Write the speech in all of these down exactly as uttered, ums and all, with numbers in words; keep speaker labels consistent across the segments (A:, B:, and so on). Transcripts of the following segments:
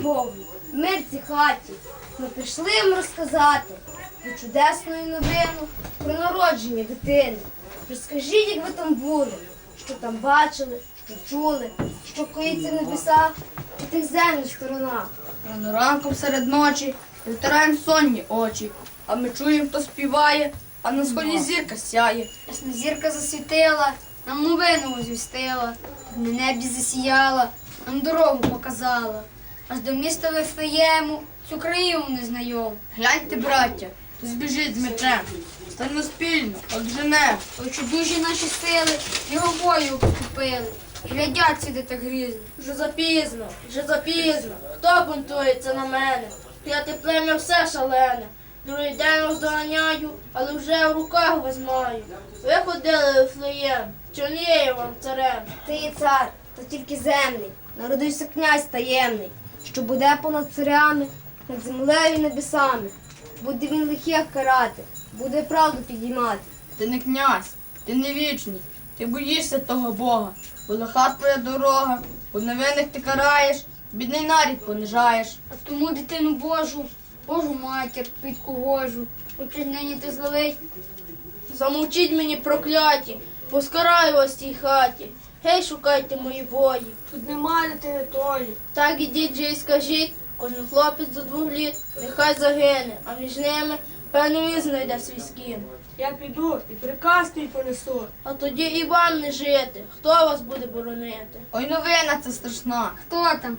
A: Богу, в мир цій хаті. Ми прийшли їм розказати про чудесну новину, про народження дитини. Розкажіть, як ви там були, що там бачили, що чули, що коїться в небесах і тих земних сторонах.
B: Рано ранком серед ночі витираємо сонні очі, а ми чуємо, хто співає, а на сході зірка сяє.
C: Ясна зірка засвітила, нам новину звістила, на небі засіяла, нам дорогу показала. Аж до міста Вифлеєму, цю країну незнайому.
B: Гляньте, браття, хтось біжить з мечем. Станьмо спільно, одженем.
C: Ой, чудужі наші сили, його бою купили. Глядять сюди так грізно.
A: Вже запізно, вже запізно. Хто бунтується на мене? П'яте плем'я все шалене. Другий день роздоганяю, але вже в руках вас маю. Ви ходили в Вифлеєм, чорніє вам царем. Ти є цар, та тільки земний. Народився князь таємний, що буде понад царями, над землею і небесами. Буде він лихих карати, буде правду підіймати.
B: Ти не князь, ти не вічний, ти боїшся того Бога, бо лиха твоя дорога, бо невинних ти караєш, бідний нарід понижаєш.
C: А тому дитину Божу, Божу матір, підку Гожу, учить нині ти зловить.
A: Замовчіть мені, прокляті, бо скараю вас в цій хаті. Гей, шукайте мої бої. Тут немає дитини тої. Так ідіть же і скажіть, кожен хлопець до двох літ, нехай загине, а між ними певно він знайде свій скін.
D: Я піду і приказ твій понесу.
A: А тоді і вам не жити. Хто вас буде боронити?
B: Ой, новина це страшна.
C: Хто там?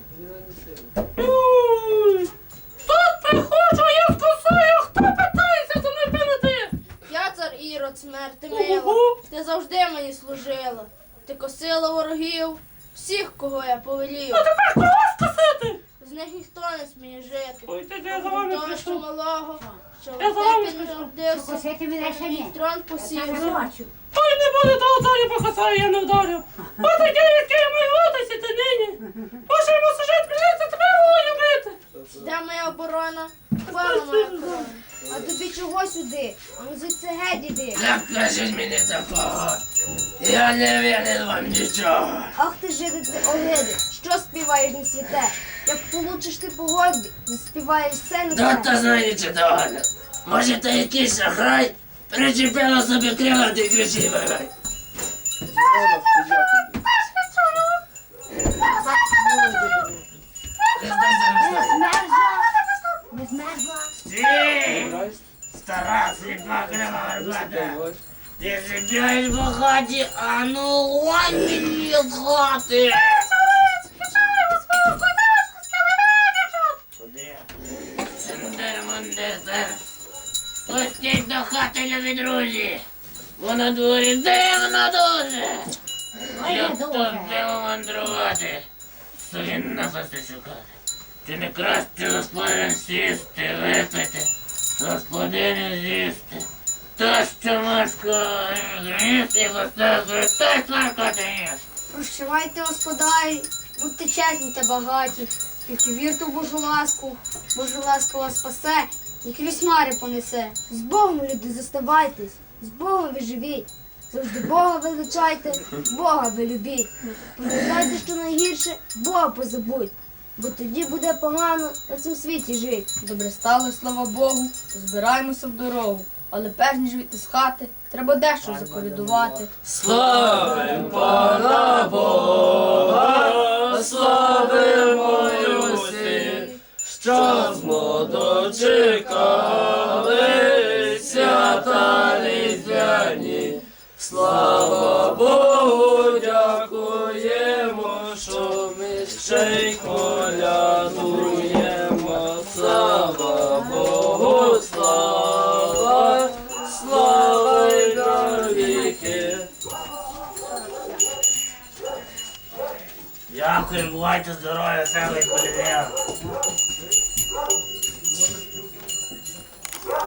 D: Тут приходжу, я вкусую, хто питається за мною прийти?
A: Я цар Ірод, смерти мила.
D: Ого.
A: Ти завжди мені служила. Ти косила ворогів, всіх, кого я повелів.
D: Тепер кого скосити?
A: З них ніхто не сміє жити.
D: Ой, ти я за вами
A: Того, що
D: прийшов.
A: малого, що
D: Я за вами
A: ти підродився,
E: Косити мене ще ні.
A: трон посів.
D: Ой, не буде того царя покасаю, я не вдарив. От таке, яке я маю витисіти нині. Боже, йому сужить, прийдеться тебе рою бити.
A: Де моя оборона? Пана моя корона. А тобі чого сюди? А ну звідси геть іди.
F: Так кажіть мені такого, я не вірю вам нічого.
A: Ах ти жиди ти огиди, що співаєш не святе? Як получиш ти погоди, заспіваєш все не
F: Тут
A: те.
F: то знаєте догадно. Може, то якийсь шахрай причепила собі крила та й кричить вигай.
E: Не змерзла?
F: Стій! Стара сліпа крила гарбата. Ти сидиш в хаті, а ну вон мені з хати. Куди? Сендер-мундер-сер. Пустіть до хати, любі друзі. Бо на дворі дивно дуже. Я тут диво мандрувати. Собі напасти шукати. Чи не краще господарям сісти, випити, господиню з'їсти. То, що Машко гніс і поставив, той смаркоти ніс.
C: Прощавайте, господарі, будьте чесні та багаті, тільки вірте в Божу ласку, Божа ласка вас спасе і крізь хмари понесе.
A: З Богом, люди, зоставайтесь, з Богом ви живіть. Завжди Бога величайте, Бога ви любіть. Пам'ятайте, що найгірше, Бога позабудь. Бо тоді буде погано на цьому світі жити.
B: Добре стало, слава Богу, збираємося в дорогу. Але перш ніж вийти з хати, треба дещо заколядувати.
F: Славим пана Бога, славимо Юсі, що змо дочекали свята різдвяні. Слава Богу, дякуємо, що ми ще й колядуємо. Слава Богу, слава, слава й навіки. Дякую, бувайте здорові, себе колядуємо.